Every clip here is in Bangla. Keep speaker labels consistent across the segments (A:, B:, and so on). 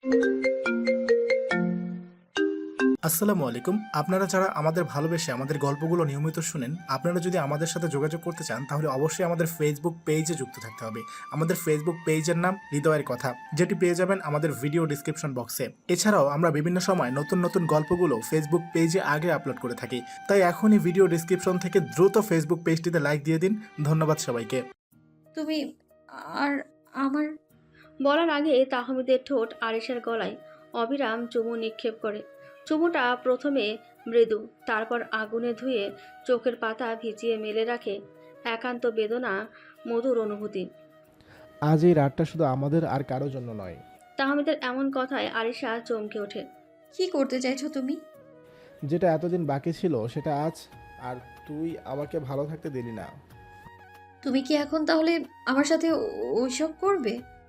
A: আসসালামু আলাইকুম। আপনারা যারা আমাদের ভালোবেসে আমাদের গল্পগুলো নিয়মিত শুনেন, আপনারা যদি আমাদের সাথে যোগাযোগ করতে চান তাহলে অবশ্যই আমাদের ফেসবুক পেজে যুক্ত থাকতে হবে। আমাদের ফেসবুক পেজের নাম হৃদয়ের কথা, যেটি পেয়ে যাবেন আমাদের ভিডিও ডিসক্রিপশন বক্সে। এছাড়াও আমরা বিভিন্ন সময় নতুন নতুন গল্পগুলো ফেসবুক পেজে আগে আপলোড করে থাকি, তাই এখনই ভিডিও ডিসক্রিপশন থেকে দ্রুত ফেসবুক পেজটিতে লাইক দিয়ে দিন। ধন্যবাদ সবাইকে।
B: তুমি আর আমার
C: বলার আগে তাহমিদের ঠোঁট আরিশার গলায় অবিরাম চুমু নিক্ষেপ করে। চুমুটা প্রথমে মৃদু, তারপর আগুনে ধুয়ে চোখের পাতা ভিজিয়ে মেলে রাখে। একান্ত বেদনা, মধুর অনুভূতি।
D: আজ এই রাতটা শুধু আমাদের আর কারো জন্য নয়।
C: তাহমিদের এমন কথায় আরিশা চমকে ওঠে।
B: কি করতে চাইছো তুমি?
D: যেটা এতদিন বাকি ছিল সেটা আজ। আর তুই আমাকে ভালো থাকতে দিলি না।
B: তুমি কি এখন তাহলে আমার সাথে ওইসব করবে?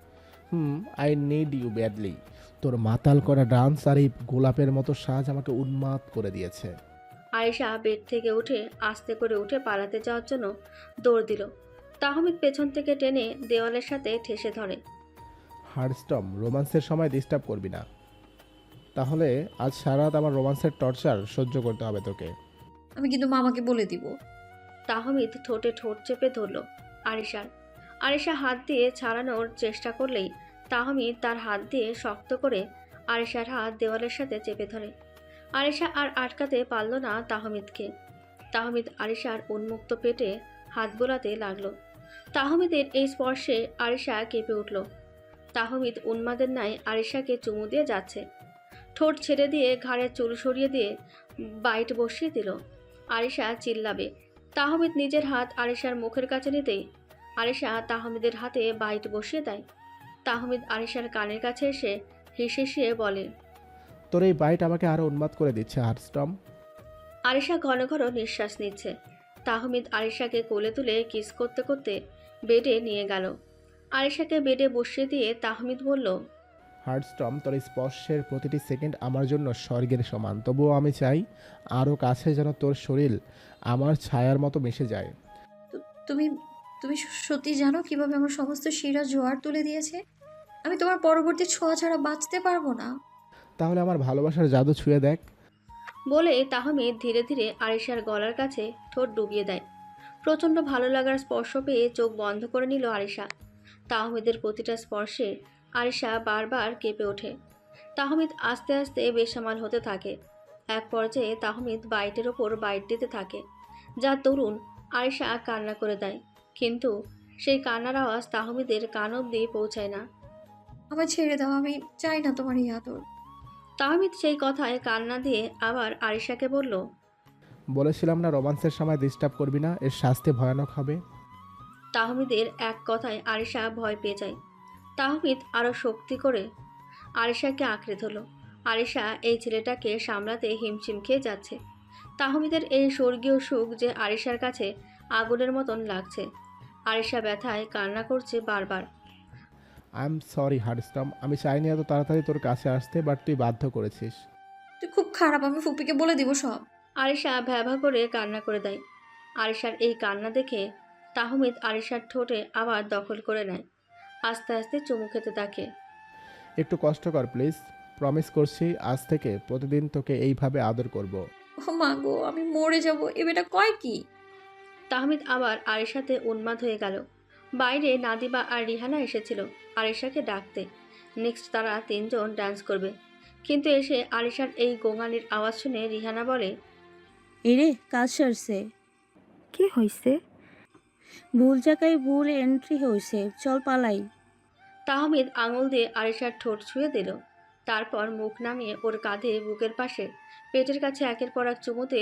D: I need you badly. তোর মাতাল করা ডান্স আর এই গোলাপের মতো সাজ আমাকে উন্মাদ করে দিয়েছে।
C: আয়েশা বেড থেকে উঠে আস্তে করে উঠে পালাতে যাওয়ার জন্য দৌড় দিল। তাহমিদ পেছন থেকে টেনে দেওয়ালের সাথে ঠেসে ধরে।
D: হার্ডস্টম, রোমান্সের সময় ডিস্টার্ব করবি না, তাহলে আজ সারা রাত আমার রোমান্সের টর্চার সহ্য করতে হবে তোকে।
B: আমি কিন্তু মামাকে বলে দিব।
C: তাহমিদ ঠোঁটে ঠোঁট চেপে ধরল আরিশার। আরিশা হাত দিয়ে ছাড়ানোর চেষ্টা করলেই তাহমিদ তার হাত দিয়ে শক্ত করে আরিশার হাত দেওয়ালের সাথে চেপে ধরে। আরিশা আর আটকাতে পারল না তাহমিদকে। তাহমিদ আরিশার উন্মুক্ত পেটে হাত বোলাতে লাগলো। তাহমিদের এই স্পর্শে আরিশা কেঁপে উঠল। তাহমিদ উন্মাদের ন্যায় আরিশাকে চুমু দিয়ে যাচ্ছে। ঠোঁট ছেড়ে দিয়ে ঘাড়ের চুল সরিয়ে দিয়ে বাইট বসিয়ে দিল। আরিশা চিল্লাবে। তাহমিদ নিজের হাত আরিশার মুখের কাছে নিতেই আরিশা তাহমিদের হাতে বাইট বসিয়ে দেয়। তাহমিদ আরিশার কানের কাছে এসে হিসিয়ে বলে,
D: তোর এই বাইট আমাকে আরো উন্মাদ করে দিচ্ছে হার্ডস্টম।
C: আরিশা ঘন ঘন নিঃশ্বাস নিচ্ছে। তাহমিদ আরিশাকে কোলে তুলে কিস করতে করতে বেডে নিয়ে গেল। আরিশাকে বেডে বসিয়ে দিয়ে তাহমিদ বলল,
D: হার্ডস্টম, তোর এই স্পর্শের প্রতিটি সেকেন্ড আমার জন্য স্বর্গের সমান। তবুও আমি চাই আরও কাছে যেন তোর শরীর আমার ছায়ার মতো মিশে যায়।
B: তুমি তুমি সত্যি জানো কিভাবে আমার সমস্ত শিরা জোয়ার তুলে দিয়েছে? আমি তোমার পরবর্তী ছোঁয়া ছাড়া বাঁচতে পারবো না।
D: তাহলে আমার ভালোবাসার জাদু ছুঁয়ে দেখ।
C: বলে তাহমিদ ধীরে ধীরে আরিশার গলার কাছে ঠোঁট ডুবিয়ে দেয়। প্রচণ্ড ভালো লাগার স্পর্শ পেয়ে চোখ বন্ধ করে নিল আরিশা। তাহমিদের প্রতিটা স্পর্শে আরিশা বারবার কেঁপে ওঠে। তাহমিদ আস্তে আস্তে বেসামাল হতে থাকে। এক পর্যায়ে তাহমিদ বাইটের ওপর বাইট দিতে থাকে, যা তরুণ আরিশা কান্না করে দেয়। কিন্তু সেই কান্নার আওয়াজ তাহমিদের কান অবধি পৌঁছায় না।
B: আমায় ছেড়ে দাও, আমি চাই না তোমার এই আদর।
C: তাহমিদ সেই কথায় কান্না দিয়ে আবার আরিশাকে বলল,
D: বলেছিলাম না রোমান্সের সময় ডিস্টার্ব করবি না, এর শাস্তি ভয়ানক হবে।
C: তাহমিদের এক কথায় আরিশা ভয় পেয়ে যায়। তাহমিদ আরও শক্তি করে আরিশাকে আঁকড়ে ধরল। আরিশা এই ছেলেটাকে সামলাতে হিমশিম খেয়ে যাচ্ছে। তাহমিদের এই স্বর্গীয় সুখ যে আরিশার কাছে আগুনের মতন লাগছে। আরিশা ব্যথায় কান্না করছে বারবার।
D: আই এম সরি হার্ডস্টম, আমি চাইনি এত তাড়াতাড়ি তোর কাছে আসতে, বাট তুই বাধ্য করেছিস।
B: তুই খুব খারাপ, আমি ফুপিকে বলে দিব সব।
C: আরিশা ভ্যাভা করে কান্না করে দেয়। আরিশার এই কান্না দেখে তাহমিদ আরিশার ঠোঁটে আবার দখল করে নেয়। আস্তে আস্তে চুমু খেতে থাকে।
D: একটু কষ্ট কর প্লিজ, প্রমিস করছি আজ থেকে প্রতিদিন তোকে এইভাবে আদর করব।
B: ও মা গো, আমি মরে যাব। এ বেটা কয় কি?
C: তাহমিদ আবার আরিশাতে উন্মাদ হয়ে গেল। বাইরে নাদিবা আর রিহানা এসেছিল আরিশাকে ডাকতে। নেক্সট তারা তিনজন ডান্স করবে। কিন্তু এসে আরিশার এই গোঙানির আওয়াজ শুনে রিহানা বলে,
E: এরে কাজ সারছে।
F: কি হয়েছে?
E: ভুল জায়গায় ভুল এন্ট্রি হয়েছে, চল পালাই।
C: তাহমিদ আঙুল দিয়ে আরিশার ঠোঁট ছুঁয়ে দিল। তারপর মুখ নামিয়ে ওর কাঁধে বুকের পাশে পেটের কাছে একের পর এক চুমুতে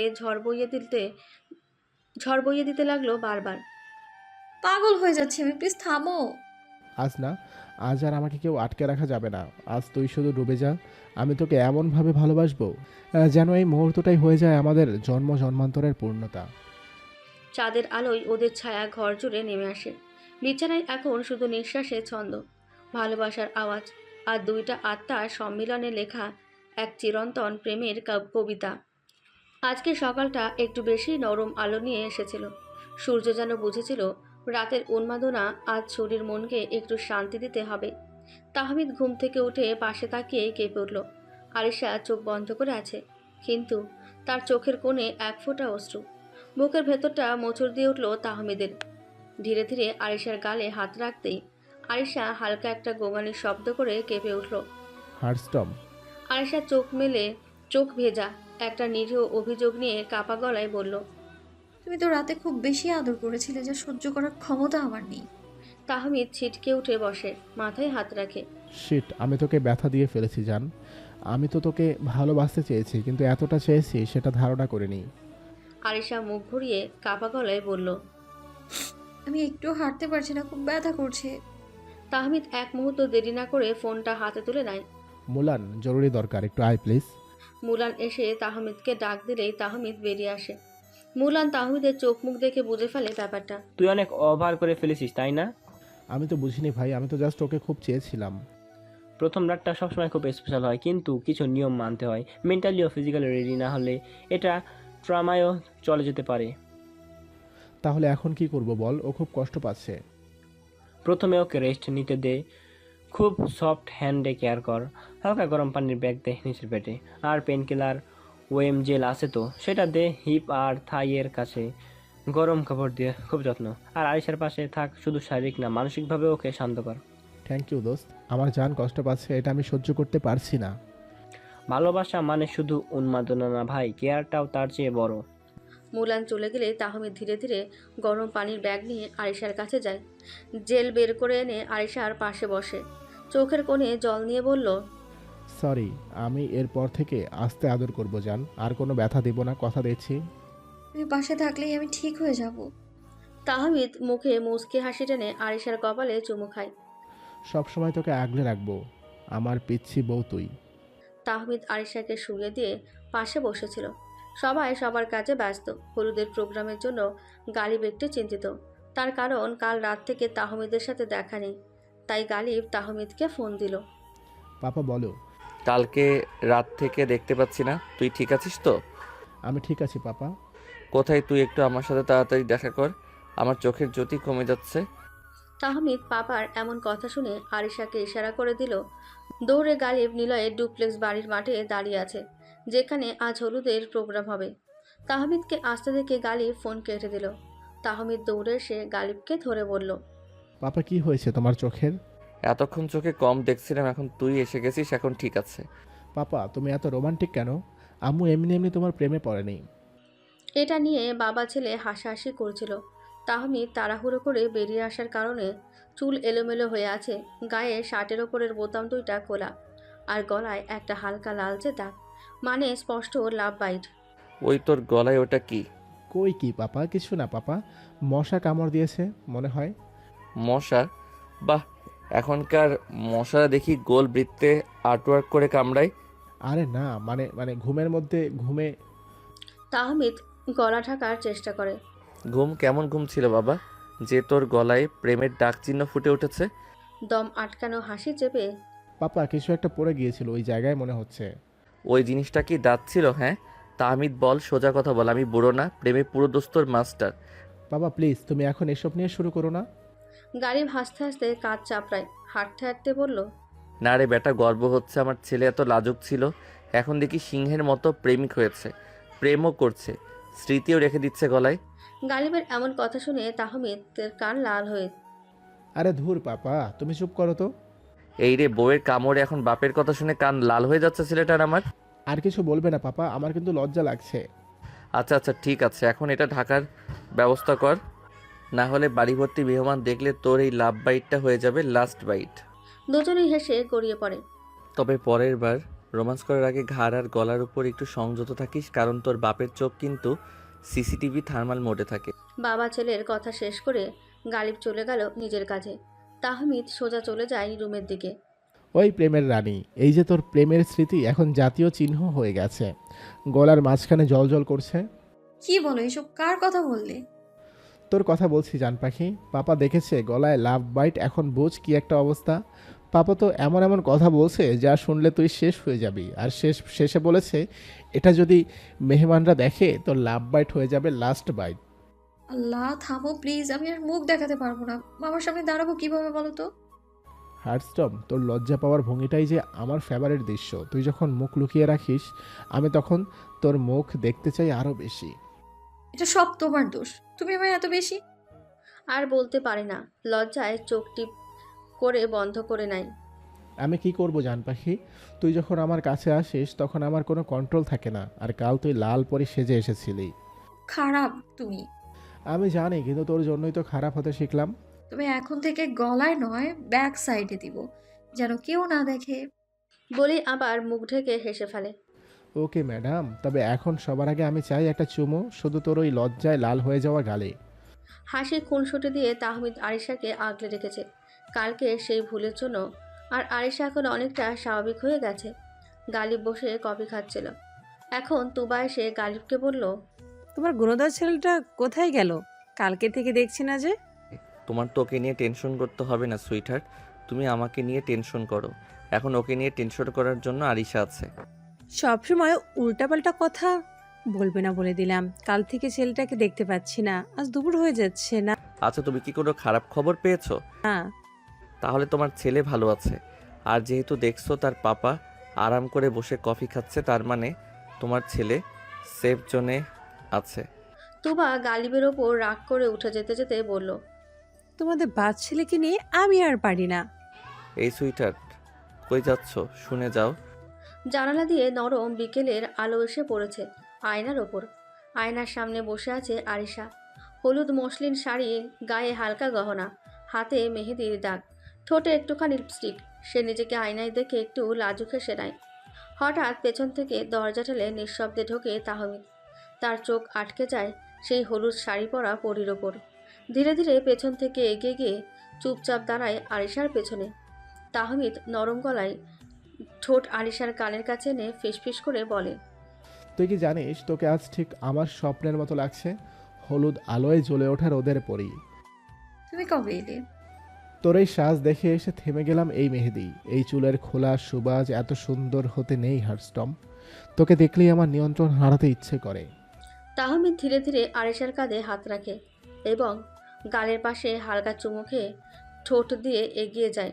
C: ঝড় বইয়ে দিতে লাগলো বারবার।
B: পাগল হয়ে যাচ্ছে আমি, প্লিজ থামো।
D: আজ না, আজ আর আমাকে কেউ আটকে রাখা যাবে না। আজ তুই শুধু ডুবে যা, আমি তোকে এমনভাবে ভালোবাসবো যেন এই মুহূর্তটাই হয়ে যায় আমাদের জন্ম জন্মান্তরের পূর্ণতা।
C: চাঁদের আলোয় ওদের ছায়া ঘর জুড়ে নেমে আসে। বিছানায় এখন শুধু নিঃশ্বাসে ছন্দ, ভালোবাসার আওয়াজ আর দুইটা আত্মার সম্মিলনে লেখা এক চিরন্তন প্রেমের কবিতা। আজকে সকালটা একটু বেশি নরম আলো নিয়ে এসেছিল। সূর্য যেন বুঝেছিল রাতের উন্মাদনা আজ শরীর মনকে একটু শান্তি দিতে হবে। তাহমিদ ঘুম থেকে উঠে পাশে তাকিয়ে কেঁপে উঠল। আরিশা চোখ বন্ধ করে আছে, কিন্তু তার চোখের কোণে এক ফোঁটা অশ্রু। বুকের ভেতরটা মোচড় দিয়ে উঠল তাহমিদের। ধীরে ধীরে আরিশার গালে হাত রাখতেই আরিশা হালকা একটা গোঙানির শব্দ করে কেঁপে উঠল।
D: হার্টস্টম।
C: আরিশা চোখ মেলে, চোখ ভেজা একটা নিরীহ অভিযোগ নিয়ে কাপা গলায় বলল।
B: তুমি তো রাতে খুব বেশি আদর করেছিলে, যা সহ্য করার ক্ষমতা আমার নেই।
C: তাহমিদ ছিটকে উঠে বসে, মাথায় হাত রাখে।
D: শিট, আমি তোকে ব্যথা দিয়ে ফেলেছি জান। আমি তো তোকে ভালোবাসতে চেয়েছি, কিন্তু এতটা চেয়েছি সেটা ধারণা করিনি।
C: আরিশা মুখ ঘুরিয়ে কাপা গলায় বলল।
B: আমি একটু হাঁটতে পারছি না, খুব ব্যথা করছে।
C: তাহমিদ এক মুহূর্ত দেরি না করে ফোনটা হাতে তুলে নেয়।
D: মুলান, জরুরি দরকার, একটু আয় প্লিজ।
C: মুলান এসে তাহমিদকে ডাক দিলেই তাহমিদ বেরিয়ে আসে। মুলান তাহমিদের চোখ মুখ দেখে বুঝে ফেলে ব্যাপারটা।
G: তুই অনেক ওভার করে ফেলেছিস, তাই না?
D: আমি তো বুঝিনি ভাই, আমি তো জাস্ট ওকে খুব চেয়েছিলাম।
G: প্রথম রাতটা সবসময় খুব স্পেশাল হয়, কিন্তু কিছু নিয়ম মানতে হয়। মেন্টালি ও ফিজিক্যালি রেডি না হলে এটা ট্রমায়ও চলে যেতে পারে।
D: তাহলে এখন কি করব বল? ও খুব কষ্ট পাচ্ছে।
G: প্রথমে ওকে রেস্ট নিতে দে, খুব সফট হ্যান্ডে কেয়ার কর, হালকা গরম পানির ব্যাগ দে নিচের পেটে, আর পেন কিলার ওএম জেল আছে তো সেটা দে হিপ আর থাইয়ের কাছে, গরম কাপড় দিয়ে খুব যত্ন। আর আরিশার পাশে থাক, শুধু শারীরিক না মানসিকভাবে ওকে শান্ত কর।
D: থ্যাংক ইউ দোস্ত, আমার জান কষ্ট পাচ্ছে, এটা আমি সহ্য করতে পারছি না।
G: ভালোবাসা মানে শুধু উন্মাদনা না ভাই, কেয়ারটাও তার চেয়ে বড়।
C: মুলান চলে গেলে তাহমিদ ধীরে ধীরে গরম পানির ব্যাগ নিয়ে আরিশার কাছে যায়। জেল বের করে এনে আরিশার পাশে বসে, চোখের কোণে জল নিয়ে বলল।
D: সরি, আমি এরপর থেকে আস্তে আদর করব জান, আর কোনো ব্যথা দেব না, কথা দিচ্ছি।
B: তুমি পাশে থাকলেই আমি ঠিক হয়ে যাব।
C: তাহমিদ মুখে মুচকি হাসি টেনে আরিশার কপালে চুমু খায়।
D: সব সময় তোকে আগলে রাখবো, আমার পিচ্ছি বউ তুই।
C: তাহমিদ আরিশাকে শুইয়ে দিয়ে পাশে বসেছিল। সবাই সবার কাজে ব্যস্ত। হলুদের প্রোগ্রামের জন্য গালিব একটু চিন্তিত, তার কারণ কাল রাত থেকে তাহমিদের সাথে দেখা নেই। তাই গালিব তাহমিদকে ফোন দিল।
D: পাপা বলো।
H: কালকে রাত থেকে দেখতে পাচ্ছি না, তুই ঠিক আছিস তো?
D: আমি ঠিক আছি পাপা।
H: কোথায় তুই? একটু আমার সাথে তাড়াতাড়ি দেখা কর, আমার চোখের জ্যোতি কমে যাচ্ছে।
C: তাহমিদ পাপার এমন কথা শুনে আরিশাকে ইশারা করে দিল। দৌড়ে গালিব নিলয়ের ডুপ্লেক্স বাড়ির মাঠে দাঁড়িয়ে আছে, যেখানে আজ হলুদের প্রোগ্রাম হবে। তাহমিদকে আসতে দেখে গালিব ফোন কেটে দিল। তাহমিদ দৌড়ে এসে গালিবকে ধরে বলল।
D: পাপা কি হয়েছে তোমার চোখের?
H: এতক্ষণ চোখে কম দেখছিলাম, এখন তুই এসে গেছিস, এখন ঠিক আছে।
D: পাপা তুমি এত রোমান্টিক কেন? আম্মু এমনি এমনি তোমার প্রেমে পড়েনি।
C: এটা নিয়ে বাবা ছেলে হাসাহাসি করছিল। তাহমিদ তাড়াহুড়ো করে বেরিয়ে আসার কারণে চুল এলোমেলো হয়ে আছে, গায়ে শার্টের ওপরের বোতাম দুইটা খোলা, আর গলায় একটা হালকা লালচে দাগ, মানে স্পষ্ট লাভ বাইট।
H: ওই তোর গলায় ওটা কি?
D: কই কি পাপা, কিছু না পাপা, মশা কামড় দিয়েছে মনে হয়।
H: মশা? বাহ, এখনকার মশারা দেখি গোল বৃত্তে আর্টওয়ার্ক করে কামড়ায়।
D: আরে না, মানে মানে ঘুমের মধ্যে ঘুমে।
C: তাহমিদ গলা ঢাকার চেষ্টা করে।
H: ঘুম? কেমন ঘুম ছিল বাবা, যে তোর গলায় প্রেমের ডাক চিহ্ন ফুটে উঠেছে?
C: দম আটকানো হাসি চেপে।
D: পাপা কিছু একটা পড়ে গিয়েছিল ওই জায়গায় মনে হচ্ছে।
H: ওই জিনিসটা কি দাঁত ছিল? হ্যাঁ তাহমিদ বল, সোজা কথা বল, আমি বুড়ো না, প্রেমে পুরো দোস্তর মাস্টার।
D: বাবা প্লিজ তুমি এখন এসব নিয়ে শুরু করো না।
C: গালিব হাসতে হাসতে কাঁধ চাপড়ায়, হাঁটতে হাঁটতে বলল।
H: না রে বেটা, গর্ব হচ্ছে, আমার ছেলে এত লাজুক ছিল, এখন দেখি সিংহের মতো প্রেমিক হয়েছে, প্রেমও করছে, স্মৃতিও রেখে দিচ্ছে গলায়।
C: গালিবের এমন কথা শুনে তাহমিদের কান লাল হয়ে।
D: আরে ধুর পাপা তুমি চুপ করো তো।
H: এই রে, বউয়ের কামড়ে এখন বাপের কথা শুনে কান লাল হয়ে যাচ্ছে ছেলেটার আমার।
D: আর কিছু বলবে না পাপা, আমার কিন্তু লজ্জা লাগছে।
H: আচ্ছা আচ্ছা ঠিক আছে, এখন এটা ঢাকার ব্যবস্থা কর, না হলে বাড়ি ভর্তি মেহমান দেখলে তোর এই লাভ বাইটটা হয়ে যাবে লাস্ট বাইট।
C: দুজনেই হেসে গড়িয়ে পড়ে।
H: তবে পরের বার রোমান্স করার আগে ঘাড় আর গলার উপর একটু সংযত থাকিস, কারণ তোর বাপের চোখ কিন্তু সিসিটিভি থার্মাল মোডে থাকে।
C: বাবা ছেলের কথা শেষ করে গালিব চলে গেল নিজের কাজে। তাহমিদ সোজা চলে যায় রুমের দিকে।
D: ওই প্রেমের রানী, এই যে তোর প্রেমের স্মৃতি এখন জাতীয় চিহ্ন হয়ে গেছে, গলার মাঝখানে জল জল করছে।
B: কি বলো এসব? কার কথা বললে?
D: তোর কথা বলছি জান পাখি। পাপা দেখেছে গলায় লাভ বাইট, এখন বোঝ কি একটা অবস্থা। পাপা তো এমন এমন কথা বলছে যা শুনলে তুই শেষ হয়ে যাবি, আর শেষে বলেছে এটা যদি মেহমানরা দেখে তোর লাভ বাইট হয়ে যাবে লাস্ট বাইট।
B: আল্লাহ থামো প্লিজ, আমি আর মুখ দেখাতে পারবো না। মামার সামনে দাঁড়াবো কিভাবে বলো তো?
D: হার্টস্টম, তোর লজ্জা পাওয়ার ভঙ্গিটাই যে আমার ফেভারিট দৃশ্য। তুই যখন মুখ লুকিয়ে রাখিস আমি তখন তোর মুখ দেখতে চাই আরও বেশি।
B: এটা সব তোমার দোষ, তুমি আমার এত বেশি।
C: আর বলতে পারে না, লজ্জায় চোখ টিপ করে বন্ধ করে নেয়।
D: আমি কি করব জান পাখি? তুই যখন আমার কাছে আসিস তখন আমার কোনো কন্ট্রোল থাকে না। আর কাল তুই লাল পরি সেজে এসেছিলি।
B: খারাপ তুমি।
D: আমি জানি, কিন্তু তোর জন্যই তো খারাপ হতে শিখলাম।
B: তবে এখন থেকে গলায় নয়, ব্যাক সাইডে দিব, যেন কেউ না দেখে।
C: বলেই আবার মুখ ঢেকে হেসে ফেলে।
D: ওকে ম্যাডাম, তবে এখন সবার আগে আমি চাই একটা চুমো, শুধু তোর ওই লজ্জায় লাল হয়ে যাওয়া গালে।
C: হাসি খুনসুটি দিয়ে তাহমিদ আরিশাকে আগলে রেখেছে কালকে সেই ভুলের জন্য। আর আরিশা এখন অনেকটা স্বাভাবিক হয়ে গেছে। গালিব বসে কফি খাচ্ছিল। এখন তুবা এসে গালিবকে বলল,
I: তোমার গুণধর ছেলেটা কোথায় গেল? কালকে থেকে দেখছি না যে।
H: তোমার তো ওকে নিয়ে টেনশন করতে হবে না সুইটহার্ট, তুমি আমাকে নিয়ে টেনশন করো। এখন ওকে নিয়ে টেনশন করার জন্য আরিশা আছে।
I: সবসময় উল্টাপাল্টা কথা বলবে না বলে দিলাম। কাল থেকে ছেলেটাকে দেখতে পাচ্ছি না, আজ দুপুর হয়ে যাচ্ছে না।
H: আচ্ছা, তুমি কি কোনো খারাপ খবর পেয়েছো?
I: না,
H: তাহলে তোমার ছেলে ভালো আছে। আর যেহেতু দেখছো তার পাপা আরাম করে বসে কফি খাচ্ছে, তার মানে তোমার ছেলে সেফ জোনে আছে।
C: তুবা গালিবের ওপর রাগ করে উঠে যেতে যেতে বলল,
I: তোমাদের বাচ্চা ছেলেকে নিয়ে আমি আর পারি না।
H: এই সুইটহার্ট, কই যাচ্ছ? শুনে যাও।
C: জানালা দিয়ে নরম বিকেলের আলো এসে পড়েছে আয়নার ওপর। আয়নার সামনে বসে আছে আরিশা। হলুদ মসলিন শাড়ি, গায়ে হালকা গহনা, হাতে মেহেদির দাগ, ঠোঁটে একটুখানি লিপস্টিক। সে নিজেকে আয়নায় দেখে একটু লাজুক হেসে নেয়। হঠাৎ পেছন থেকে দরজা ঠেলে নিঃশব্দে ঢোকে তাহমিদ। তার চোখ আটকে যায় সেই হলুদ শাড়ি পরা পরীর ওপর। ধীরে ধীরে পেছন থেকে এগিয়ে গিয়ে চুপচাপ দাঁড়ায় আরিশার পেছনে। তাহমিদ নরম গলায় ঠোঁট আরিশার কানের কাছে এনে ফিসফিস করে বলে,
D: তুই কি জানিস তোকে আজ ঠিক আমার স্বপ্নের মতো লাগছে? হলুদ আলোয় জ্বলে ওঠা রোদের পরি।
B: তুমি কবে এলে?
D: তোর এই সাজ দেখে এসে থেমে গেলাম। এই মেহেদি, এই চুলের খোলা সুবাজ এত সুন্দর হতে নেই হার্টস্টম। তোকে দেখলেই আমার নিয়ন্ত্রণ হারাতে ইচ্ছে করে।
C: তাহমিদ ধীরে ধীরে আরিশার কাঁধে হাত রাখে এবং গালের পাশে হালকা চুমু খেয়ে ঠোঁট দিয়ে এগিয়ে যায়।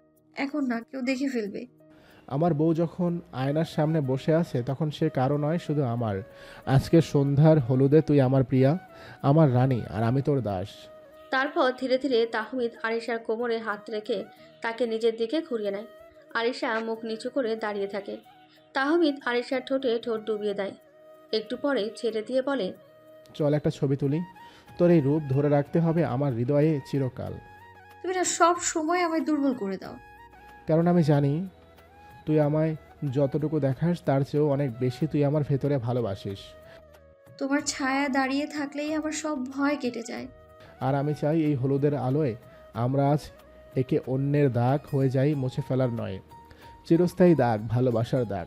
B: এখন না, কেউ দেখে ফেলবে।
D: আমার বউ যখন আয়নার সামনে বসে আছে তখন সে কারো নয়, শুধু আমার। আজকে সন্ধ্যার হলুদে তুই আমার প্রিয়া, আমার রানী, আর আমি তোর দাস।
C: তারপর ধীরে ধীরে তাহমিদ আরিশার কোমরে হাত রেখে তাকে নিজের দিকে ঘুরিয়ে নেয়। আরিশা মুখ নিচু করে দাঁড়িয়ে থাকে। তাহমিদ আরিশার ঠোঁটে ঠোঁট ডুবিয়ে দেয়। একটু পরে ছেড়ে দিয়ে বলে,
D: চল একটা ছবি তুলি। তোর এই রূপ ধরে রাখতে হবে আমার হৃদয়ে চিরকাল।
B: তুমি না সব সময় আমায় দুর্বল করে দাও।
D: কারণ আমি জানি তুই আমায় যতটুকু দেখাস তার চেয়েও অনেক বেশি তুই আমার ভেতরে ভালোবাসিস।
B: তোমার ছায়া দাঁড়িয়ে থাকলেই আমার সব ভয় কেটে যায়।
D: আর আমি চাই এই হলুদের আলোয় আমরা আজ একে অন্যের দাগ হয়ে যাই, মুছে ফেলার নয়, চিরস্থায়ী দাগ, ভালোবাসার দাগ।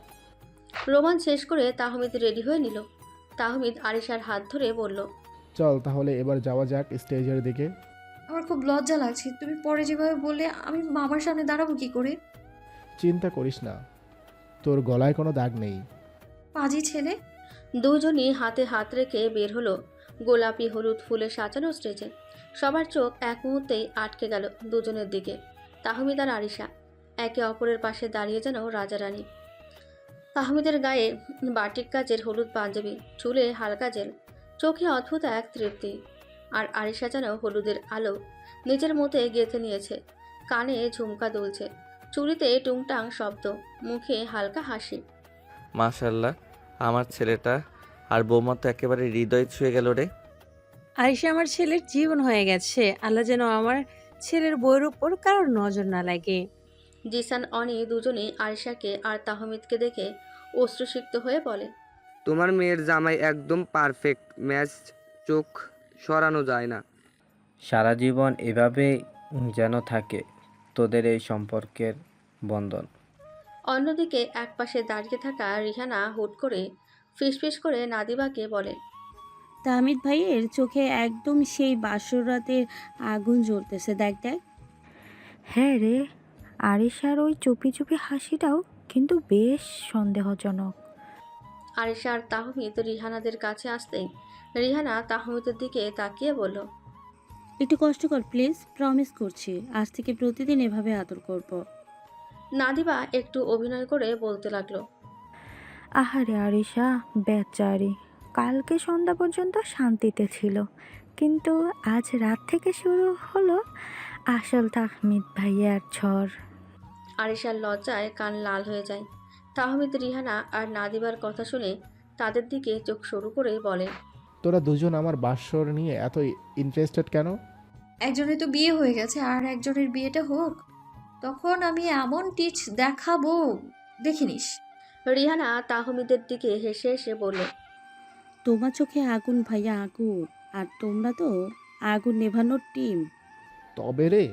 C: রোমান শেষ করে তাহমিদ রেডি হয়ে নিল। তাহমিদ আরিশার হাত ধরে বলল,
D: চল তাহলে এবার যাওয়া যাক স্টেজের দিকে।
B: আমার খুব লজ্জা লাগছে। তুমি পরে যেভাবে বললে আমি মামার সামনে দাঁড়াবো কি করে?
D: চিন্তা করিস না, তোর গলায় কোনো দাগ নেই।
B: পাজি ছেলে।
C: দুজনই হাতে হাত রেখে বের হলো গোলাপি হলুদ ফুলে সাজানো স্টেজে। সবার চোখ এক মুহূর্তেই আটকে গেল দুজনের দিকে। তাহমিদ আর আরিশা একে অপরের পাশে দাঁড়িয়ে যেন রাজা রানী। তাহমিদের গায়ে বাটিক কাজের হলুদ পাঞ্জাবি, চুলে হালকা জেল, চোখে অদ্ভুত এক তৃপ্তি। আর আরিশা যেন হলুদের আলো নিজের মধ্যে গেঁথে নিয়েছে। কানে ঝুমকা দুলছে, চুড়িতে টুংটাং শব্দ, মুখে হালকা হাসি।
H: মাশাল্লাহ, আমার ছেলেটা আর বৌমা তো একেবারে হৃদয় ছুঁয়ে গেল রে।
I: আরিশা আমার ছেলের জীবন হয়ে গেছে। আল্লাহ যেন আমার ছেলের বইয়ের উপর কারোর নজর না লাগে।
C: জিসান অনি দুজনেই আরিশাকে আর তাহমিদকে দেখে অশ্রুসিক্ত হয়ে বলে,
J: তোমার মেয়ের জামাই একদম পারফেক্ট ম্যাচ, চোখ সরানো যায় না।
G: সারা জীবন এভাবে যেন থাকে তোদের এই সম্পর্কের বন্ধন।
C: অন্যদিকে একপাশে দাঁড়িয়ে থাকা রিহানা হুট করে ফিসফিস করে নাদিবাকে বলে,
E: তাহমিদ ভাইয়ের চোখে একদম সেই বাসর রাতের আগুন জ্বলতেছে, দেখ দেখ।
F: হ্যাঁ রে, আরিশার ওই চুপি চুপি হাসিটাও কিন্তু বেশ সন্দেহজনক।
C: আরিশা আর তাহমিদ রিহানাদের কাছে আসতেই রিহানা তাহমিদের দিকে তাকিয়ে বলল,
E: একটু কষ্ট কর প্লিজ, প্রমিস করছি আজ থেকে প্রতিদিন এভাবে আদর করব।
C: নাদিবা একটু অভিনয় করে বলতে লাগলো।
F: আহারে আরিশা, বেচারি কালকে সন্ধ্যা পর্যন্ত শান্তিতে ছিল, কিন্তু আজ রাত থেকে শুরু হলো আসল তাহমিদ ভাইয়ার ঝড়।
C: আরিশার লজ্জায় কান লাল হয়ে যায়। তাহমিদ রিহানা আর নাদিবার কথা শুনে তাদের দিকে চোখ সরু করে বলে,
D: তোরা দুজন আমার বাসর নিয়ে এত ইন্টারেস্টেড কেন?
B: একজনের তো বিয়ে হয়ে গেছে, আর একজনের বিয়েটা হোক, তখন আমি এমন টিচ দেখাবো, দেখিনিস।
C: রিহানা তাহমিদের দিকে হেসে হেসে বলল,
E: তোমার চোখে আগুন ভাইয়া আগুন, আর তোমরা তো আগুন নেভানোর টিম।
D: তবে রে,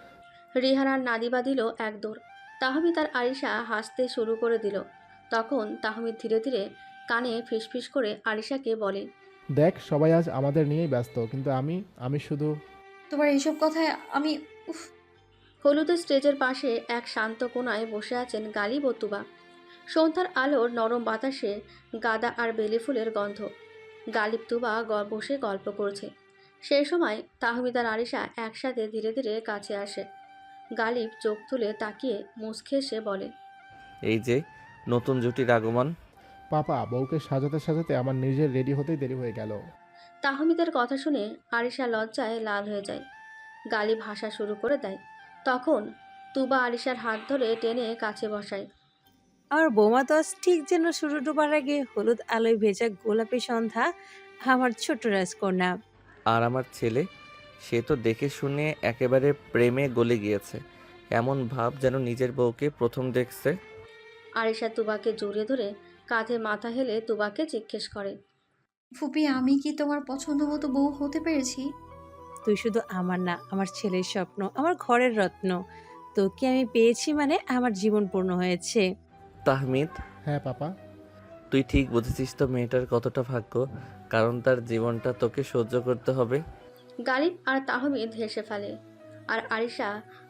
C: রিহানার নাদিবা দিল এক দৌড়। তাহমিদ আর আরিশা হাসতে শুরু করে দিল। তখন তাহমিদ ধীরে ধীরে কানে ফিসফিস করে আরিশাকে বলে,
D: দেখ সবাই আজ আমাদের নিয়েই ব্যস্ত, কিন্তু আমি শুধু।
B: তোমার এইসব কথায় আমি উফ।
C: হলুদের স্টেজের পাশে এক শান্ত কোণায় বসে আছেন গালিব ও তুবা। সন্ধ্যার আলোর নরম বাতাসে গাঁদা আর বেলি ফুলের গন্ধ। গালিব তুবা বসে গল্প করছে। সেই সময় তাহমিদ আর আরিশা একসাথে ধীরে ধীরে কাছে আসে। গালিব চোখ তুলে তাকিয়ে মুচকে এসে বলে,
H: এই যে নতুন জুটির আগমন।
D: পাপা, বউকে সাজাতে সাজাতে আমার নিজের রেডি হতেই দেরি হয়ে গেল।
C: তাহমিদের কথা শুনে আরিশা লজ্জায় লাল হয়ে যায়। গালিব হাসা শুরু করে দেয়। তখন তুবা আরিশার হাত ধরে টেনে কাছে বসায়।
I: আমার বৌমা তো আজ ঠিক যেন সূর্য ডোবার আগে হলুদ আলোয় ভেজা গোলাপি সন্ধ্যা, আমার ছোট্ট রাজকন্যা।
H: আর আমার ছেলে, সে তো দেখে শুনে একেবারে প্রেমে গলে গিয়েছে। এমন ভাব যেন নিজের বউকে প্রথম দেখছে।
C: আরিশা তুবাকে জড়িয়ে ধরে কাঁধে মাথা হেলে তুবাকে জিজ্ঞেস করে,
B: ফুপি, আমি কি তোমার পছন্দ মতো বউ হতে পেরেছি?
I: তুই শুধু আমার না, আমার ছেলের স্বপ্ন, আমার ঘরের রত্ন। তোকে আমি পেয়েছি মানে আমার জীবন পূর্ণ হয়েছে।
H: তাহমিদ,
D: হ্যাঁ পাপা।
H: তুই ঠিক বুঝেছিস তো মেয়েটার কতটা ভাগ্য, কারণ তার জীবনটা তোকে সহ্য করতে হবে।
C: গালিব আর তাহমিদ হেসে ফেলে। আর আরিশা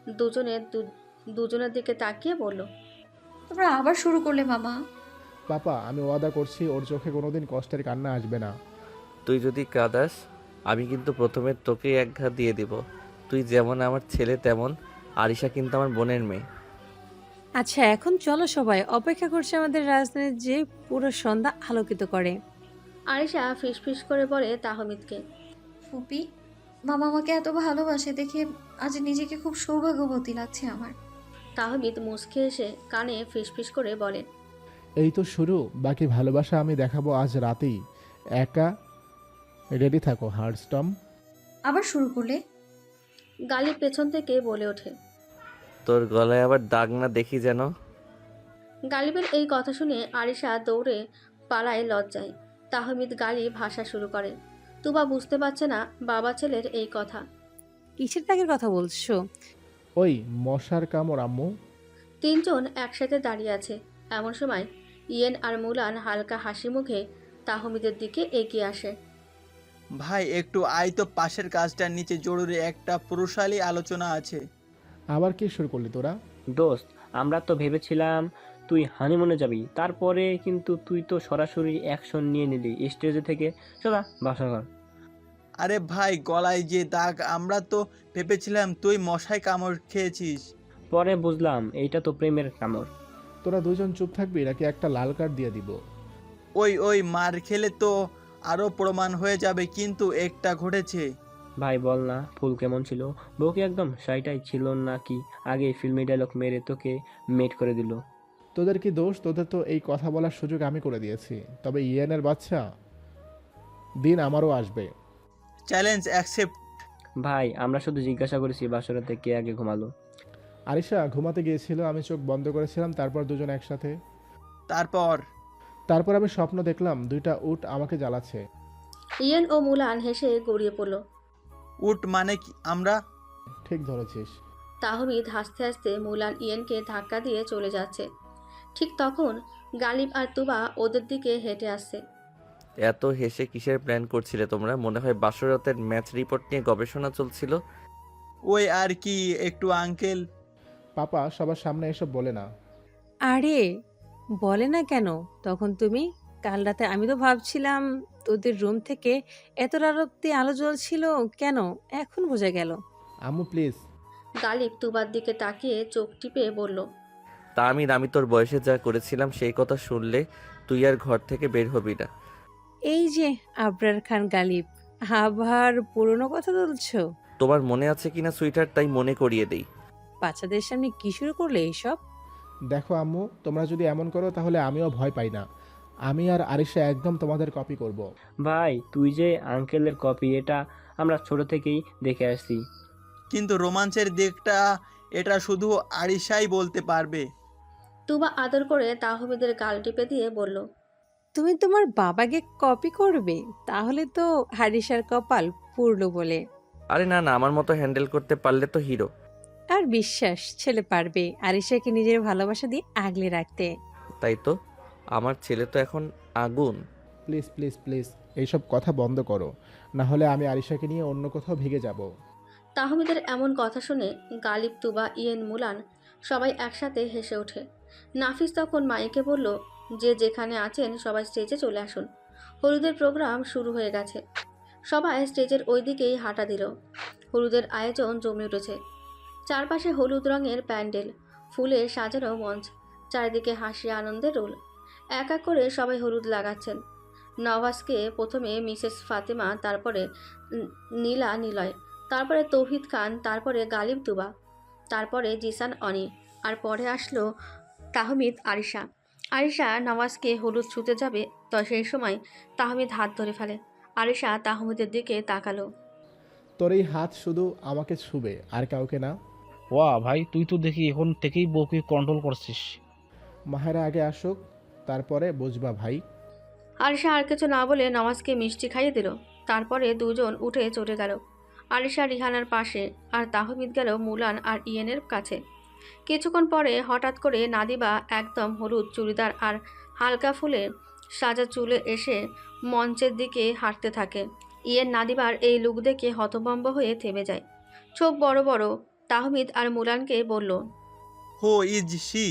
C: দুজনের দিকে তাকিয়ে বলল,
B: তোমরা আবার শুরু করলে মামা।
D: পাপা, আমি ওয়াদা করছি ওর চোখে কোনোদিন কষ্টের কান্না আসবে না।
H: তুই যদি কাঁদাস, আমি কিন্তু প্রথমে তোকেই এক ঘা দিয়ে দিব। তুই যেমন আমার ছেলে তেমন। আরিশা কিন্তু আমার বোনের মেয়ে।
I: আচ্ছা, এখন চলো সবাই, অপেক্ষা করছে আমাদের রাজধানী যে পুরো সন্ধ্যা আলোকিত করে।
C: আরিশা ফিসফিস করে বলে তাহমিদকে,
B: ফুপি, মামা আমাকে এত ভালোবাসে দেখে আজ নিজেকে খুব সৌভাগ্যবতী লাগছে আমার।
C: তাহমিদ মুচকে এসে কানে ফিসফিস করে বলে,
D: এই তো শুরু, বাকি ভালোবাসা আমি দেখাবো আজ রাতেই। একা রেডি থাকো হার্ডস্টম।
B: আবার শুরু করলে?
C: গালিব পেছন থেকে বলে ওঠে।
H: তোর গলায় আবার দাগ না দেখি যেন।
C: গালিবের এই কথা শুনে আরিশা দৌড়ে পালায় লজ্জায়। তাহমিদ গালিব ভাষা শুরু করে। তুবা বুঝতে পারছে না বাবা ছেলের এই কথা।
I: কিসের ত্যাগের কথা বলছো?
D: ওই মশার কামড় আম্মু।
C: তিনজন একসাথে দাঁড়িয়ে আছে। এমন সময় ইয়েন আর মুলান হালকা হাসি মুখে তাহমিদের দিকে এগিয়ে আসে।
K: ভাই একটু আয় তো, পাশের কাজটার নিচে জরুরি একটা পুরুষালী আলোচনা আছে।
D: আবার কি শুরু করলি তোরা?
G: দোস্ত, আমরা তো ভেবেছিলাম তুই হানিমুনে যাবি, তারপরে কিন্তু তুই তো সরাসরি অ্যাকশন নিয়ে নিলি স্টেজে থেকে। চলা বাসা ঘর।
K: আরে ভাই, গলায় যে দাগ, আমরা তো ভেবেছিলাম তুই মশায় কামড় খেয়েছিস।
G: পরে বুঝলাম এইটা তো প্রেমের কামড়।
D: তোরা দুজন চুপ থাকবি নাকি একটা লাল কার্ড দিয়ে দিব?
K: ওই মার খেলে তো আরো প্রমাণ হয়ে যাবে, কিন্তু একটা ঘটেছে।
G: ভাই বল না, ফুল কেমন ছিল? বউ কি একদম সাইটাই ছিল নাকি আগে ফিল্মি ডায়লগ মেরে তোকে মেট করে দিল?
D: তোদের কি দোষ? তোদের তো এই কথা বলার সুযোগ আমি করে দিয়েছি। তবে ইয়েনের বাচ্চা, দিন আমারও আসবে।
K: Challenge accept.
G: ভাই আমরা শুধু জিজ্ঞাসা করেছি বাসরাতে কে আগে ঘুমালো।
D: আরিশা ঘুমাতে গিয়েছিল, আমি চোখ বন্ধ করেছিলাম, তারপর দুজন একসাথে। তারপর আমি স্বপ্ন দেখলাম দুইটা উট আমাকে জ্বালাচ্ছে।
C: ইয়েন ও মুলান হেসে গড়িয়ে পড়ল।
K: উট মানে কি? আমরা?
D: ঠিক ধরেছিস।
C: তাহমিদ হাসতে হাসতে মুলান ইয়েনকে ধাক্কা দিয়ে চলে যাচ্ছে। ঠিক তখন গালিব আর তুবা ওদের দিকে হেঁটে আসছে।
H: এত হেসে কিসের প্ল্যান করছিলে তোমরা? মনে হয় বাসরাতের ম্যাচ রিপোর্ট নিয়ে গবেষণা চলছিল।
K: ওই আর কি, একটু আঙ্কেল।
D: পাপা সবার সামনে এসব বলে না।
I: আরে বলে না কেন? তখন তুমি কাল রাতে আমি তো ভাবছিলাম তোদের রুম থেকে এত রাত অব্দি আলো জ্বলছিল কেন? এখন বোঝা গেল।
D: আম্মু প্লিজ।
C: গালিব তুবার দিকে তাকিয়ে চোখ টিপে বলল,
H: তা আমি তোর বয়সে যা করেছিলাম সেই কথা শুনলে তুই আর ঘর থেকে বের হবি না।
I: এই যে আবরার খান গালিব, আবার পুরনো কথা তুলছো?
H: তোমার মনে আছে কিনা সুইটার, তাই মনে করিয়ে দেই।
I: বাচ্চাদের সামনে কি শুরু করলে এইসব?
D: দেখো আম্মু, তোমরা যদি এমন করো তাহলে আমিও ভয় পাই না। আমি আর আরিশা একদম তোমাদের কপি করব।
G: ভাই তুই যে আঙ্কেলের কপি, এটা আমরা ছোট থেকেই দেখে আসছি।
K: কিন্তু রোমাঞ্চের দিকটা এটা শুধু আরিশাই বলতে পারবে।
C: তুবা আদর করে তাহমিদের গাল টিপে দিয়ে বলল,
I: তুমি তোমার বাবাকে কপি করবে? তাহলে তো হারিসার কপাল পুরলো বলে।
H: আরে না না, আমার মতো হ্যান্ডেল করতে পারলে তো হিরো।
I: আর বিশ্বাস ছেলে পারবে আরিশাকে নিজের ভালোবাসা দিয়ে আগলে রাখতে।
H: তাই তো, আমার ছেলে তো এখন আগুন।
D: প্লিজ প্লিজ প্লিজ এইসব কথা বন্ধ করো, না হলে আমি আরিশাকে নিয়ে অন্য কোথাও ভেগে যাব।
C: তাহমিদের এমন কথা শুনে গালিব, তুবা, ইয়েন, মুলান সবাই একসাথে হেসে ওঠে। নাফিস তখন মাইকে বলল, যে যেখানে আছেন সবাই স্টেজে চলে আসুন, হলুদের প্রোগ্রাম শুরু হয়ে গেছে। সবাই স্টেজের ওই দিকেই হাঁটা দিল। হলুদের আয়োজন জমে উঠেছে। চারপাশে হলুদ রঙের প্যান্ডেল, ফুলে সাজানো মঞ্চ, চারিদিকে হাসি আনন্দের রোল। এক এক করে সবাই হলুদ লাগাচ্ছেন। নওয়াজকে প্রথমে মিসেস ফাতেমা, তারপরে নীলা নিলয়, তারপরে তৌহিদ খান, তারপরে গালিব, তুবা, তারপরে জিসান অনি, আর পরে আসলো তাহমিদ, আরিশা। আরিশা নওয়াজকে হলুদ ছুঁতে যাবে, তো সেই সময় তাহমিদ হাত ধরে ফেলে। আরিশা তাহমিদের দিকে তাকালো।
D: তোর এই হাত শুধু আমাকে ছুবে আর কাউকে না।
L: ওয়া ভাই, তুই তো দেখি এখন থেকেই বউকে কন্ট্রোল করছিস।
D: মাহেরা আগে আসুক, তারপরে বুঝবা ভাই।
C: আরিশা আর কিছু না বলে নওয়াজকে মিষ্টি খাইয়ে দিল। তারপরে দুজন উঠে চলে গেল। আরিশা রিহানার পাশে, আর তাহমিদ গেল মুলান আর ইয়েনের কাছে। কিছুক্ষণ পরে হঠাৎ করে নাদিবা একদম হলুদ চুড়িদার আর হালকা ফুলে সাজা চুলে এসে মঞ্চের দিকে হাঁটতে থাকে। ইয়েন নাদিবার এই লুক দেখে হতভম্ব হয়ে থেমে যায়। চোখ বড় বড়। তাহমিদ আর মুলানকে বলল,
K: হো ইজ শি?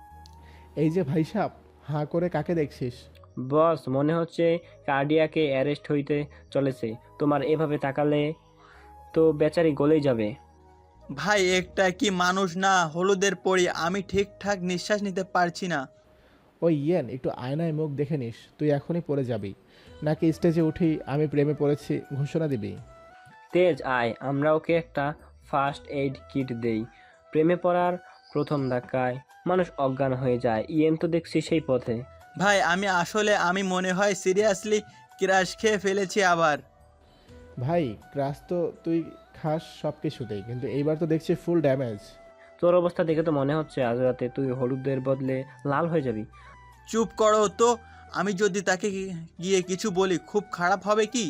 D: এই যে ভাই সাহ, হাঁ করে কাকে দেখছিস?
G: বস, মনে হচ্ছে কার্ডিয়াকে অ্যারেস্ট হইতে চলেছে। তোমার এভাবে তাকালে তো বেচারি গলেই যাবে।
K: ভাই একটা কি মানুষ না হলুদের পরি, আমি ঠিকঠাক নিঃশ্বাস নিতে পারছি না।
D: ওই ইয়েন, একটু আয়নায় মুখ দেখে নিস, তুই এখনই পড়ে যাবি। নাকি স্টেজে উঠেই আমি প্রেমে পড়েছি ঘোষণা দিবি?
G: তেজ আয়, আমরা ওকে একটা ফার্স্ট এইড কিট দেই। প্রেমে পড়ার প্রথম ধাক্কায় মানুষ অজ্ঞান হয়ে যায়। ইয়েন তো দেখছি সেই পথে।
K: ভাই আমি মনে হয় সিরিয়াসলি ক্রাশ খেয়ে ফেলেছি আবার।
D: ভাই ক্রাশ তো তুই খাস সব কিছুতেই, কিন্তু এইবার তো দেখছি ফুল ড্যামেজ।
G: তোর অবস্থা দেখে তো মনে হচ্ছে আজ রাতে তুই হলুদের বদলে লাল হয়ে যাবি।
K: চুপ করো তো, আমি যদি তাকে গিয়ে কিছু বলি খুব খারাপ হবে কি?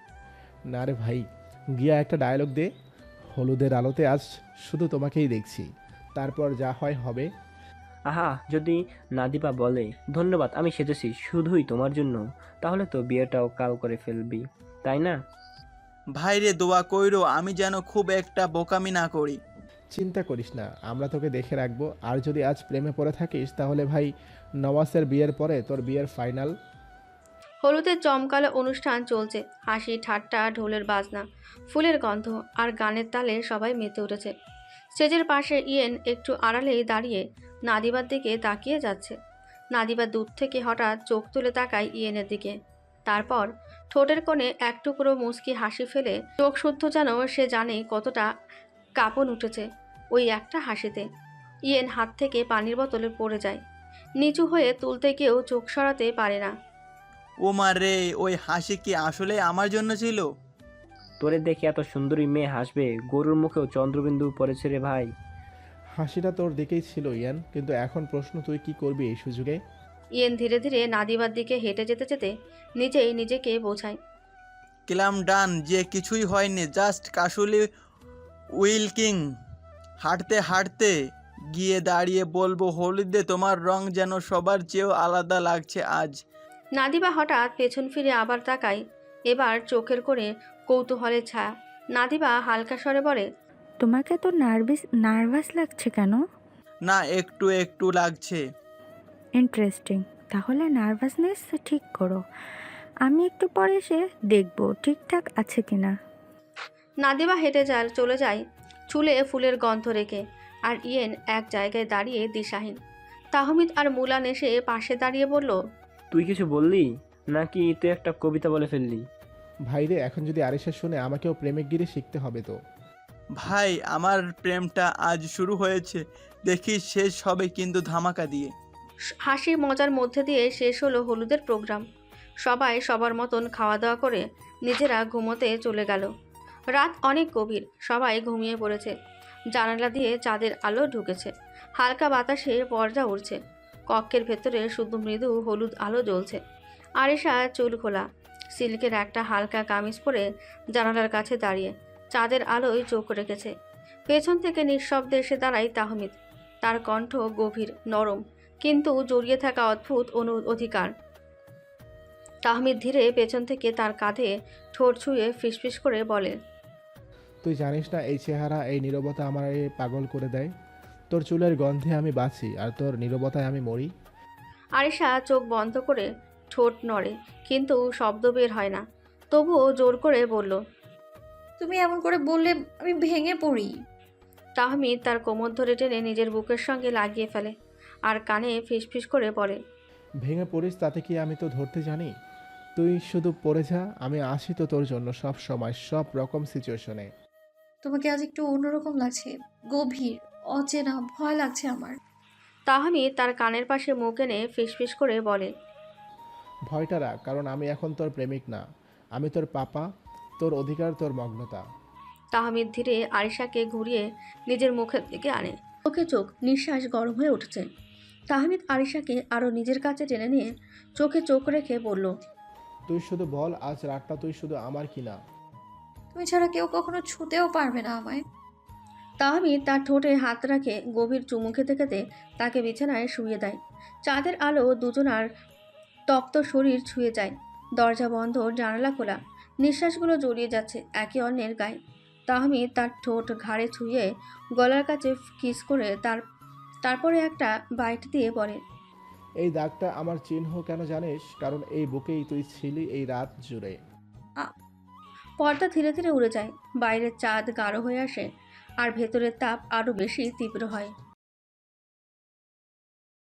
D: না রে ভাই, গিয়া একটা ডায়লগ দে, হলুদের আলোতে আজ শুধু তোমাকেই দেখছি, তারপর যা হয় হবে।
G: আহা, যদি নাদিপা বলে ধন্যবাদ আমি সেজেছি শুধুই তোমার জন্য, তাহলে তো বিয়েটাও কাল করে ফেলবি, তাই না?
K: ভাইরে দোয়া কইরো আমি যেন খুব একটা বোকামি না করি।
D: চিন্তা করিস না, আমরা তোকে দেখে রাখবো। আর যদি আজ প্রেমে পড়ে থাকিস তাহলে ভাই নওয়াজের বিয়ের পরে তোর বিয়ের ফাইনাল।
C: হলুদের জমকালো অনুষ্ঠান চলছে। হাসি ঠাট্টা, ঢোলের বাজনা, ফুলের গন্ধ আর গানের তালে সবাই মেতে উঠেছে। স্টেজের পাশে ইয়েন একটু আড়ালেই দাঁড়িয়ে নাদিবার দিকে তাকিয়ে যাচ্ছে। নাদিবা দূর থেকে হঠাৎ চোখ তুলে তাকায় ইয়েনের দিকে। তারপর ঠোঁটের কোণে এক টুকরো মুচকি হাসি ফেলে চোখ শুদ্ধ, যেন সে জানে কতটা কাঁপন উঠেছে ওই একটা হাসিতে। ইয়েন হাত থেকে পানির বোতলে পড়ে যায়। নিচু হয়ে তুলতে গিয়েও চোখ সরাতে পারে না।
K: ও মা রে, ওই হাসি কি আসলে আমার জন্য ছিল?
G: তোরে দেখে এত সুন্দরী মেয়ে হাসবে, গরুর মুখেও চন্দ্রবিন্দু পড়েছে রে ভাই।
D: হাসিটা তোর দিকেই ছিল ইয়ান, কিন্তু এখন প্রশ্ন তুই কি করবি এই সুযোগে?
C: ইয়েন ধীরে ধীরে নাদিবার দিকে হেঁটে যেতে যেতে নিজেই নিজেকে বোঝায়।
K: ক্লাম ডান, যে কিছুই হয়নি, জাস্ট কাশুলি উইলকিং। হাঁটতে হাঁটতে গিয়ে দাঁড়িয়ে বলবো, হলুদে তোমার রং যেন সবার চেয়েও আলাদা লাগছে আজ।
C: নাদিবা হঠাৎ পেছন ফিরে আবার তাকায়, এবার চোখের কোণে কৌতূহলের ছায়া। নাদিবা হালকা স্বরে বলে,
F: তোমাকে তো নার্ভাস লাগছে কেন?
K: না, একটু একটু লাগছে।
F: ইন্টারেস্টিং, তাহলে নার্ভাসনেস ঠিক করো। আমি একটু পরে এসে দেখব ঠিকঠাক আছে কিনা।
C: নাদিবা হেঁটে চলে যায় চুলে ফুলের গন্ধ রেখে, আর ইয়েন এক জায়গায় দাঁড়িয়ে দিশাহীন। তাহমিদ আর মুলান এসে পাশে দাঁড়িয়ে বলল,
G: তুই কিছু বললি নাকি তুই একটা কবিতা বলে ফেললি?
D: ভাইরে, এখন যদি আরিশা শুনে আমাকেও প্রেমিকগিরি শিখতে হবে তো।
K: ভাই, আমার প্রেমটা আজ শুরু হয়েছে, দেখি শেষ হবে কিন্তু ধামাকা দিয়ে।
C: হাসি মজার মধ্যে দিয়ে শেষ হলো হলুদের প্রোগ্রাম। সবাই সবার মতন খাওয়া দাওয়া করে নিজেরা ঘুমোতে চলে গেল। রাত অনেক গভীর, সবাই ঘুমিয়ে পড়েছে। জানালা দিয়ে চাঁদের আলো ঢুকেছে, হালকা বাতাসে পর্দা উড়ছে। কক্ষের ভেতরে শুধু মৃদু হলুদ আলো জ্বলছে। আরিশা চুল খোলা, সিল্কের একটা হালকা কামিজ পরে জানালার কাছে দাঁড়িয়ে চাঁদের আলোয় চোখ রেখেছে। পেছন থেকে নিঃশব্দে এসে দাঁড়ায় তাহমিদ। তার কণ্ঠ গভীর, নরম, কিন্তু জড়িয়ে থাকা অদ্ভুত অধিকার। তাহমিদ ধীরে পেছন থেকে তার কাঁধে ঠোঁট ছুঁয়ে ফিসফিস করে বলে,
D: তুই জানিস না এই চেহারা, এই নীরবতা আমার পাগল করে দেয়। তোর চুলের গন্ধে আমি বাঁচি, আর তোর নীরবতায় আমি মরি।
C: আরিশা চোখ বন্ধ করে ঠোঁট নড়ে, কিন্তু শব্দ বের হয় না। তবুও জোর করে বলল,
B: তুমি এমন করে বললে আমি ভেঙে পড়ি।
C: তাহমিদ তার কোমর ধরে টেনে নিজের বুকের সঙ্গে লাগিয়ে ফেলে, আর কানে ফিসফিস করে বলে,
D: ভেঙে পড়িস তাতে কি আমি তো ধরতে জানি। তুই শুধু পড়ে যা, আমি আসি তো তোর জন্য সব সময়, সব রকম সিচুয়েশনে।
B: তোমাকে আজ একটু অন্যরকম লাগছে, গভীর, অচেনা, ভয় লাগছে আমার।
C: তাহমিদ তার কানের পাশে মুখ এনে ফিসফিস করে বলে,
D: ভয়টা রাখ, কারণ আমি এখন তোর প্রেমিক না, আমি তোর পাপা, তোর অধিকার, তোর মগ্নতা।
C: তাহমিদ ধীরে আরিশাকে ঘুরিয়ে নিজের মুখের দিকে আনে। চোখে চোখ, নিঃশ্বাস গরম হয়ে উঠছে। তাহমিদ আরিশাকে আরও নিজের কাছে টেনে নিয়ে চোখে চোখ রেখে বলল,
D: তুই শুধু বল, আজ রাতটা তুই শুধু আমার কিনা।
B: তুমি ছাড়া কেউ কখনো ছুতেও পারবে না আমায়।
C: তাহমিদ তার ঠোঁটে হাত রাখে, গভীর চুমু খেতে খেতে তাকে বিছানায় শুইয়ে দেয়। চাঁদের আলো দুজনার তপ্ত শরীর ছুঁয়ে যায়। দরজা বন্ধ, জানালা খোলা, নিঃশ্বাসগুলো জড়িয়ে যাচ্ছে একে অন্যের গায়ে। তাহমিদ তার ঠোঁট ঘাড়ে ছুঁয়ে গলার কাছে কিস করে তারপরে একটা বাইট দিয়ে বলে,
D: এই দাগটা আমার চিহ্ন কেন জানিস? কারণ এই বুকেই তুই ছিলি এই রাত জুড়ে।
C: পর্দা ধীরে ধীরে উড়ে যায়। বাইরের চাঁদ গাঢ় হয়ে আসে, আর ভেতরের তাপ আরও বেশি তীব্র হয়।